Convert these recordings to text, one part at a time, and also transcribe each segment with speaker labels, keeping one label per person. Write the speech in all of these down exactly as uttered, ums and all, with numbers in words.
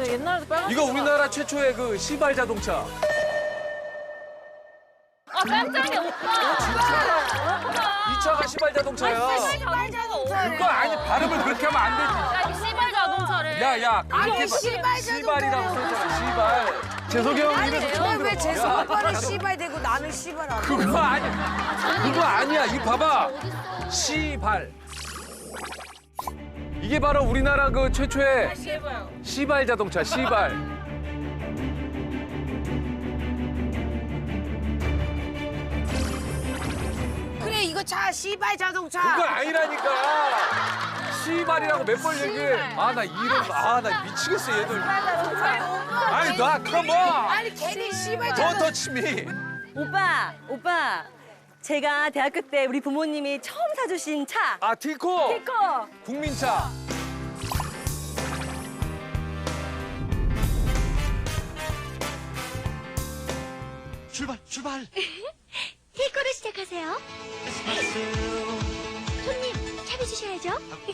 Speaker 1: 옛날에도 빨간.
Speaker 2: 이거 우리나라 최초의 그 시발 자동차.
Speaker 1: 아 깜짝이야 오빠.
Speaker 2: 이 차가 시발 자동차야.
Speaker 1: 시발 자동차.
Speaker 2: 그거 아니 발음을 그렇게 하면 안
Speaker 1: 야 이거 시발 자동차를.
Speaker 2: 야야
Speaker 3: 아니,
Speaker 2: 그렇게
Speaker 3: 시발
Speaker 2: 시발이라고 써있잖아 시발. 재석이 형 입에서 처음
Speaker 3: 왜
Speaker 2: 들어.
Speaker 3: 재수
Speaker 2: 야,
Speaker 3: 오빠는 씨발 되고 나는 씨발 안 돼?
Speaker 2: 그거 아니야. 그거 아니야. 이 봐봐. 시발. 이게 바로 우리나라 그 최초의 시발 자동차 시발.
Speaker 3: 그래 이거 차 씨발 자동차.
Speaker 2: 그거 아니라니까. 시발이라고 몇 번 얘기해. 아 나 이름 아 나 미치겠어 얘들. 아니 나 컴온.
Speaker 3: 아니 걔네 씨발
Speaker 2: 더
Speaker 3: 자동차.
Speaker 2: 터치미.
Speaker 4: 오빠, 오빠. 제가 대학교 때 우리 부모님이 처음 사주신 차.
Speaker 2: 아 티코.
Speaker 4: 티코.
Speaker 2: 국민차.
Speaker 5: 출발, 출발.
Speaker 6: 티코로 시작하세요. 손님, 차려주셔야죠.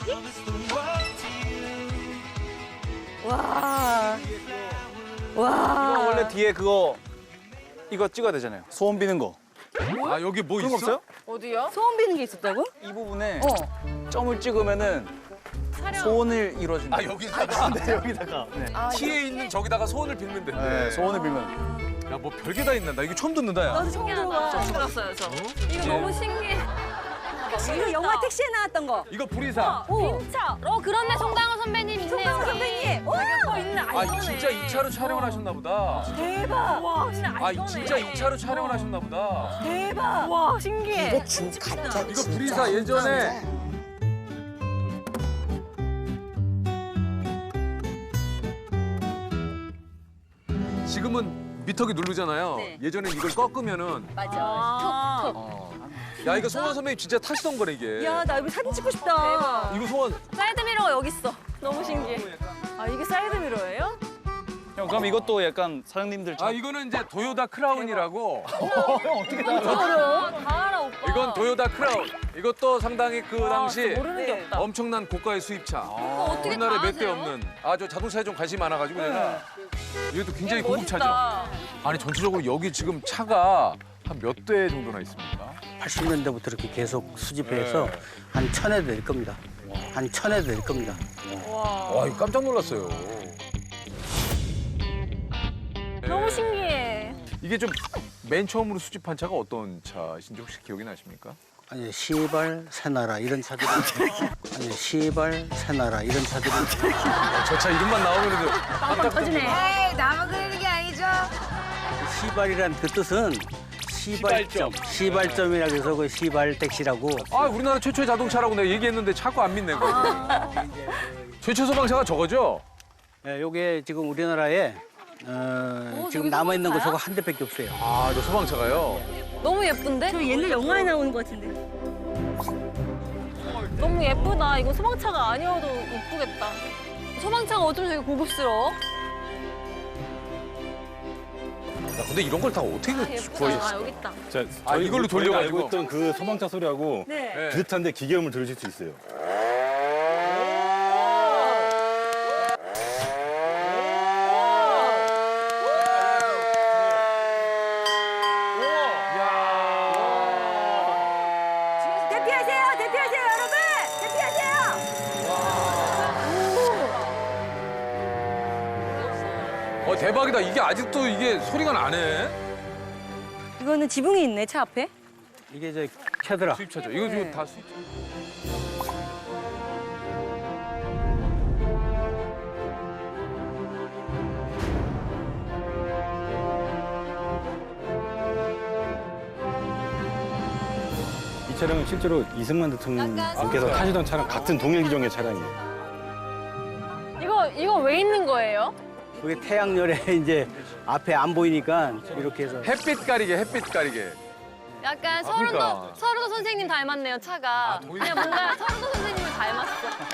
Speaker 4: 와.
Speaker 7: 이거
Speaker 4: 와.
Speaker 7: 원래 뒤에 그거 이거 찍어야 되잖아요. 소원 비는 거.
Speaker 2: 아 여기 뭐
Speaker 7: 그런 거
Speaker 2: 있어?
Speaker 7: 없어요?
Speaker 1: 어디요?
Speaker 4: 소원 비는 게 있었다고?
Speaker 7: 이 부분에
Speaker 4: 어.
Speaker 7: 점을 찍으면은 소원을 이뤄준다.
Speaker 2: 아 여기다가
Speaker 7: 네, 여기다가. 네.
Speaker 2: 티에 있는 저기다가 소원을 빌면 된대.
Speaker 7: 네, 소원을 빌면.
Speaker 2: 야 뭐 별게 다 있나? 나 이거 처음 듣는다 야.
Speaker 4: 나도 처음 들어봐.
Speaker 1: 들었어요 저. 이거 너무 신기해.
Speaker 4: 이거 영화 택시에 나왔던 거.
Speaker 2: 이거 불이사.
Speaker 4: 오.
Speaker 1: 빈차. 어 그렇네 송강호 선배님 있네요.
Speaker 4: 송강호 선배님. 오.
Speaker 1: 어 있네. 아,
Speaker 2: 아
Speaker 1: 이거네.
Speaker 2: 진짜 이 차로 촬영을 하셨나 보다.
Speaker 4: 대박.
Speaker 1: 와 진짜 아,
Speaker 2: 아
Speaker 1: 이거네.
Speaker 2: 진짜 이 차로 촬영을 하셨나 보다.
Speaker 4: 대박.
Speaker 1: 와 신기해.
Speaker 3: 이거 진 가짜
Speaker 2: 이거
Speaker 3: 진짜
Speaker 2: 불이사 예전에 지금은 미터기 누르잖아요.
Speaker 4: 네.
Speaker 2: 예전에 이걸 꺾으면은
Speaker 4: 맞아.
Speaker 1: 아,
Speaker 2: 야 이거 송원 선배님 진짜 타시던 거네 이게.
Speaker 4: 야, 나 이거 사진 찍고 싶다.
Speaker 2: 이거 송원
Speaker 1: 사이드 미러가 여기 있어. 너무 신기해. 아 이게 사이드 미러예요?
Speaker 7: 형 그럼 이것도 약간 사장님들
Speaker 2: 아 이거는 이제 도요다 크라운이라고.
Speaker 1: 어려워. 다 알아 오빠.
Speaker 2: 이건 도요다 크라운. 이것도 상당히 그 당시
Speaker 1: 모르는 게 없다.
Speaker 2: 엄청난 고가의 수입차.
Speaker 1: 어떻게
Speaker 2: 우리나라에
Speaker 1: 다
Speaker 2: 몇 대
Speaker 1: 아세요?
Speaker 2: 없는. 아 저 자동차에 좀 관심이 많아가지고 내가. 이것도 굉장히 고급차죠.
Speaker 1: 멋있다.
Speaker 2: 아니 전체적으로 여기 지금 차가 한 몇 대 정도나 있습니까?
Speaker 8: 팔십 년대부터 이렇게 계속 수집해서 한 천여 대 될 겁니다. 한 천여 대 될 겁니다.
Speaker 2: 와 이거 깜짝 놀랐어요.
Speaker 1: 너무 신기해.
Speaker 2: 이게 좀 맨 처음으로 수집한 차가 어떤 차이신지 혹시 기억이 나십니까?
Speaker 8: 아니 시발 새나라 이런 차들이 아니 시발 새나라 이런 차들이
Speaker 2: 저 차 이름만 나오면
Speaker 1: 빵빵 터지네.
Speaker 3: 에이 나만 그러는 게 아니죠.
Speaker 8: 시발이란 그 뜻은 시발점 시발점이라고 해서 그 시발 택시라고
Speaker 2: 아 우리나라 최초의 자동차라고 내가 얘기했는데 자꾸 안 믿네. 그거. 최초 소방차가 저거죠?
Speaker 8: 예, 요게 지금 우리나라에 어, 지금 남아 있는 거 저거 한 대밖에 없어요.
Speaker 2: 아 저 소방차가요?
Speaker 1: 너무 예쁜데?
Speaker 4: 저 옛날 영화에 나오는 것 같은데.
Speaker 1: 너무 예쁘다. 이거 소방차가 아니어도 예쁘겠다. 소방차가 어쩜 저렇게 고급스러워?
Speaker 2: 야, 근데 이런 걸 다 어떻게 구하겠어?
Speaker 1: 아 여기 있다.
Speaker 9: 자,
Speaker 2: 아,
Speaker 9: 저희
Speaker 2: 이걸로
Speaker 9: 저희가
Speaker 2: 돌려가지고?
Speaker 9: 알고 있던 그 소방차 소리하고
Speaker 4: 네.
Speaker 2: 네.
Speaker 9: 비슷한데 기계음을 들으실 수 있어요.
Speaker 4: 대피하세요, 대피하세요, 여러분! 대피하세요!
Speaker 2: 어 대박이다. 이게 아직도 이게 소리가 나네.
Speaker 4: 이거는 지붕이 있네, 차 앞에.
Speaker 8: 이게 저 캐드라.
Speaker 2: 수입차죠. 이거 지금 다 수입.
Speaker 9: 이 차량은 실제로 이승만 대통령께서 타시던 차랑 같은 동일 기종의 차량이에요.
Speaker 1: 이거 이거 왜 있는 거예요?
Speaker 8: 그게 태양열에 이제 앞에 안 보이니까 이렇게 해서
Speaker 2: 햇빛 가리개, 햇빛 가리개.
Speaker 1: 약간 서른도
Speaker 2: 그러니까.
Speaker 1: 서른도 선생님 닮았네요 차가.
Speaker 2: 아, 동일-
Speaker 1: 그냥 뭔가 서른도 선생님을 닮았어.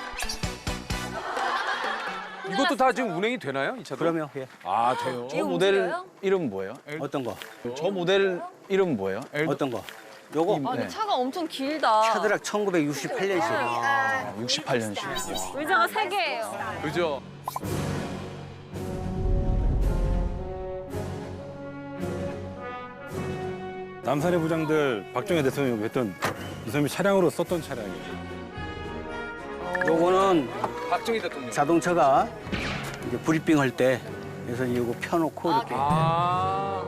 Speaker 2: 이것도 다 지금 운행이 되나요? 이 차도?
Speaker 8: 그러면 예.
Speaker 2: 아 돼요.
Speaker 7: 저 모델 이름 뭐예요?
Speaker 8: 어떤 거?
Speaker 7: 저 모델 이름 뭐예요?
Speaker 8: 어떤 거? 요거
Speaker 1: 아 근데
Speaker 7: 네.
Speaker 1: 차가 엄청 길다.
Speaker 8: 캐드락 천구백육십팔 년식.
Speaker 7: 아, 육십팔 년식.
Speaker 1: 의자가 세 개예요.
Speaker 2: 그죠?
Speaker 9: 남산의 부장들 박정희 대통령이 했던 이선비 차량으로 썼던 차량이에요.
Speaker 8: 요거는
Speaker 2: 박정희 대통령.
Speaker 8: 자동차가 이제 브리핑 할 때 그래서 이거 펴놓고 이렇게
Speaker 2: 아.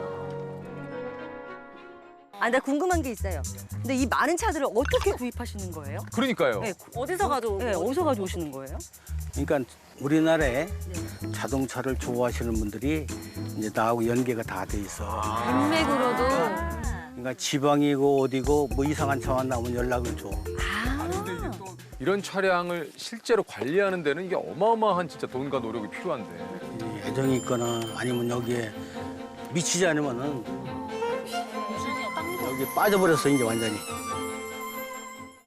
Speaker 4: 아, 나 궁금한 게 있어요. 근데 이 많은 차들을 어떻게 구입하시는 거예요?
Speaker 2: 그러니까요.
Speaker 4: 네,
Speaker 1: 어디서 가져오고?
Speaker 4: 네, 어디서 가져오시는 거예요?
Speaker 8: 그러니까 우리나라에 자동차를 좋아하시는 분들이 이제 나하고 연계가 다 돼 있어.
Speaker 1: 인맥으로도.
Speaker 8: 그러니까 지방이고 어디고 뭐 이상한 차만 나오면 연락을 줘.
Speaker 2: 아니 근데 이게 또 이런 차량을 실제로 관리하는 데는 이게 어마어마한 진짜 돈과 노력이 필요한데.
Speaker 8: 이 애정이 있거나 아니면 여기에 미치지 않으면은 여기 빠져버렸어 이제 완전히.